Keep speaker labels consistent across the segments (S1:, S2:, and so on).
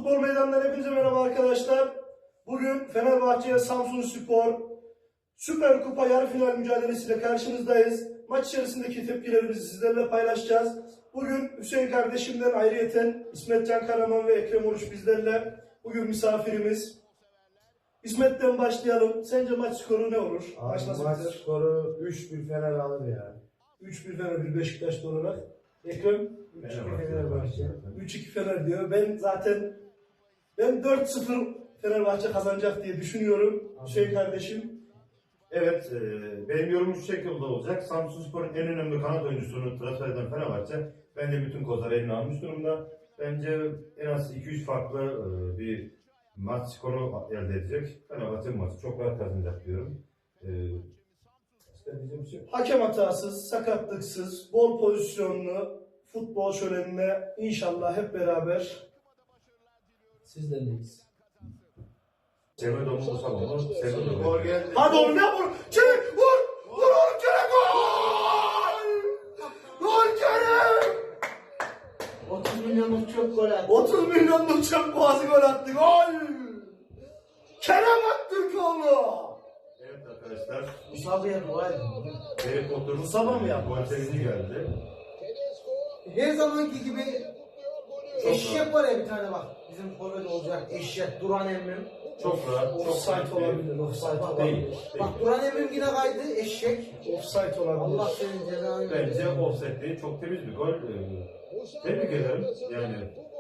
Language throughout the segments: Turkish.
S1: Futbol meydanından hepinize merhaba arkadaşlar. Bugün Fenerbahçe Samsunspor Süper Kupa yarı final mücadelesiyle karşınızdayız. Maç içerisindeki tepkilerimizi sizlerle paylaşacağız. Bugün Hüseyin kardeşimden ayrıyeten İsmet Can Karaman ve Ekrem Oruç bizlerle. Bugün misafirimiz. İsmet'ten başlayalım. Sence maç skoru ne olur?
S2: Maç skoru 3-1 Fener alır ya.
S1: 3-1 Fener, 1 Beşiktaşlı olarak. Ekrem?
S2: 3-2 Fenerbahçe.
S1: 3-2 Fener diyor. Ben 4-0 Fenerbahçe kazanacak diye düşünüyorum. Hüseyin kardeşim.
S3: Evet, benim yorumum şu şekilde olacak. Samsunspor'un en önemli kanat oyuncusunu transfer eden Fenerbahçe bence bütün kozları eline almış durumda. Bence en az 2-3 farklı bir maç skoru elde edecek. Fenerbahçe bu maçı çok rahat kazanacak diyorum.
S1: Hakem hatasız, sakatlıksız, bol pozisyonlu futbol şölenine inşallah hep beraber sizlerleyiz.
S3: Semedo mu Musaba mı? Semedo gol geldi.
S1: Hadi oğlum ya vur! Kerem vur! Vur oğlum Kerem gol! Gol Kerem!
S2: 30 milyonluk çok gol attı.
S1: 30 milyonluk çöp boğazı gol attı gol! Kerem attı golü!
S3: Evet arkadaşlar.
S2: Musaba'ya dua edin.
S3: Harry Potter
S1: Musaba mı yaptı?
S3: Gol sevinci geldi.
S2: Her zamanki gibi
S3: Çok
S2: eşek var ya bir tane bak. Bizim forvet olacak eşek Duran emmim.
S3: Çok rahat. Çok
S1: Offside
S3: rahat
S1: olabilir, offside
S3: Değil.
S1: olabilir.
S3: Değil.
S2: Bak Duran emmim yine kaydı eşek.
S1: Offside olabilir.
S2: Allah senin cezanı
S3: Bence offside değil. Çok temiz bir gol. Tebrik ederim. Yani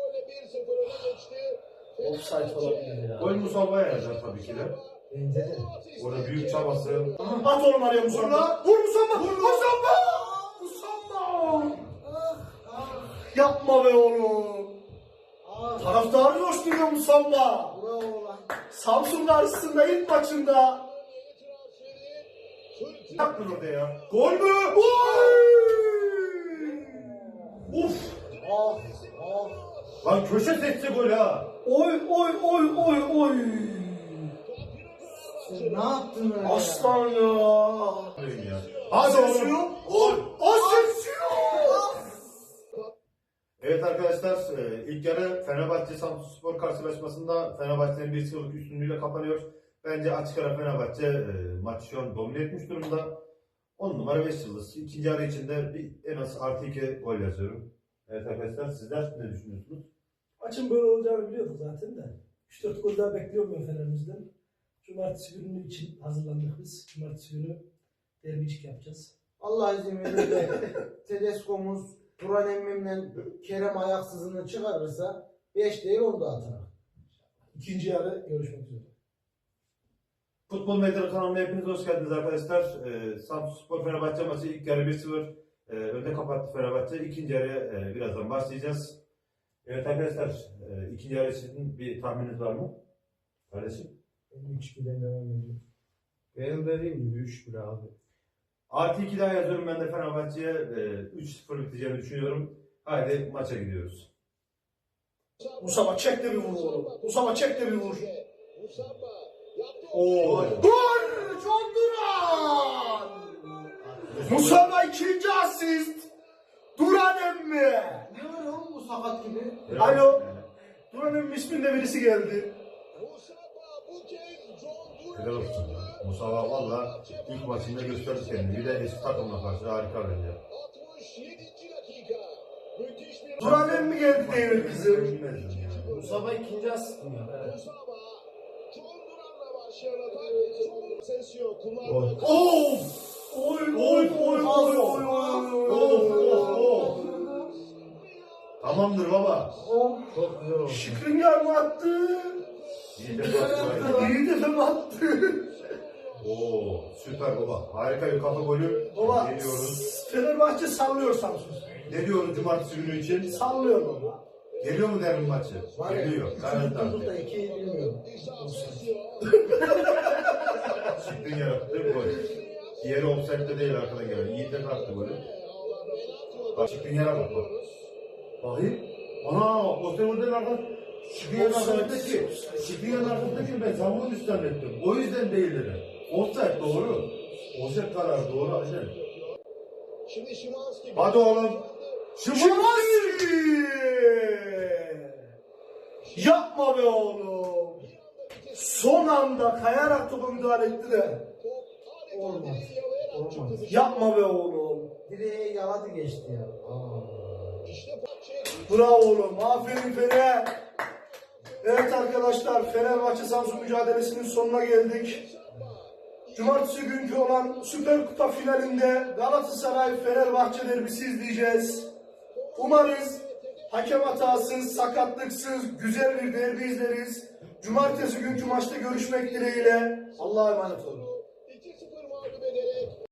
S1: Offside olabilir ya.
S3: gol Musaba'ya yazar tabii ki de.
S2: Bence de.
S3: Orada büyük çabası.
S1: At oğlum araya Musamba. Vur Musamba! Musamba! Musamba! Yapma be oğlum. Taraftarı coşturuyor Musamba.
S2: Bravo lan.
S1: Samsun karşısında ilk maçında.
S3: Yaptın orada ya.
S1: Gol mü? Gol! Uf!
S2: Ah ah.
S3: Lan köşe seçti gol ha.
S1: Oy oy oy oy oy!
S2: Sen ne yaptın öyle
S1: Aslan ya!
S3: Diyorum ya. Hadi oğlum.
S1: Gol! Asensio!
S3: Evet arkadaşlar, ilk yarı Fenerbahçe Samsunspor karşılaşmasında Fenerbahçe'nin 1-0'lık üstünlüğüyle kapanıyor. Bence açık ara Fenerbahçe maçı şu an domine etmiş durumda. 10 numara 5 yıldız. İkinci yarı içinde en az +2 gol yazıyorum. Evet arkadaşlar, sizler ne düşünüyorsunuz?
S1: Maçın böyle olacağını biliyorduk zaten de. 3-4 gol daha bekliyorum ben Fener'imizden. Cumartesi günü için hazırlandık biz. Cumartesi günü derbicik yapacağız.
S2: Allah izin verirse Tedesco'muz Duran emmimle Kerem ayaksızını çıkarırsa 5 değil 10 da atar.
S1: İkinci yarı görüşmek üzere.
S3: Futbol Meydanı kanalına hepiniz hoş geldiniz arkadaşlar. Samsunspor Fenerbahçe maçı ilk yarı 1-0 önde kapattı Fenerbahçe. İkinci yarıya birazdan başlayacağız. Evet arkadaşlar, ikinci yarı için bir tahmininiz var mı? Kardeşim?
S2: 3-2'den devam ediyor.
S4: Benim dediğim gibi 3-1 abi.
S3: +2 daha yazıyorum ben de Fenerbahçe'ye 3-0 biteceğini düşünüyorum. Haydi maça gidiyoruz.
S1: Musaba çek de bir vur oğlum. Musaba çek de bir vur.
S3: Oo.
S1: Gol! John Duran! Musaba ikinci asist. Duran emmi.
S2: Ne var oğlum bu sakat gibi?
S1: Alo. Duran emmi isminde birisi geldi.
S3: Helal olsun. Mustafa valla ilk maçında gösterdi kendini. Bir de eski takımla karşı harika bence.
S1: Duran emmi geldi değil kızım.
S3: Bilmezdim yani.
S4: Mustafa ikinci asistim ya. Evet.
S1: Of! Oy oy oy oy oy oy.
S3: Tamamdır baba.
S4: Çok güzel oldu.
S1: Şikrinyar mı attı?
S3: İyi de bak.
S1: İyi de mi attı?
S3: Oo, süper baba. Harika bir kafa golü.
S1: Baba,
S3: Geliyoruz.
S1: Fenerbahçe sallıyor Samsun.
S3: Ne diyoruz cumartesi günü için?
S1: Sallıyor baba.
S3: Geliyor mu derin maçı?
S2: Var ya,
S3: Geliyor. Garanti
S2: tutup da
S3: artık.
S2: 2'yi bilmiyorum.
S3: Çıktın yarattı gol. Diğeri offside'de değil arkada gelen. Yiğit de attı golü. Bak çıktın yere bak bak. Bakayım. Ana o sevindenin arkası. Çıktın yerin arkasındaki. Çıktın yerin arkasındaki ben savunma üst zannettim. O yüzden değil dedi. Offside doğru. Offside kararı doğru. Aynen. Hadi oğlum.
S1: Şimanski! Yapma be oğlum. Son anda kayarak topa müdahale etti de.
S2: Olmaz. Olmaz.
S1: Yapma be oğlum.
S2: Direğe yaladı geçti ya.
S1: Bravo oğlum. Aferin Fener. Evet arkadaşlar, Fenerbahçe Samsun mücadelesinin sonuna geldik. Cumartesi günkü olan Süper Kupa finalinde Galatasaray Fenerbahçe derbisi izleyeceğiz. Umarız hakem hatasız, sakatlıksız, güzel bir derbi izleriz. Cumartesi günkü maçta görüşmek dileğiyle. Allah'a emanet olun.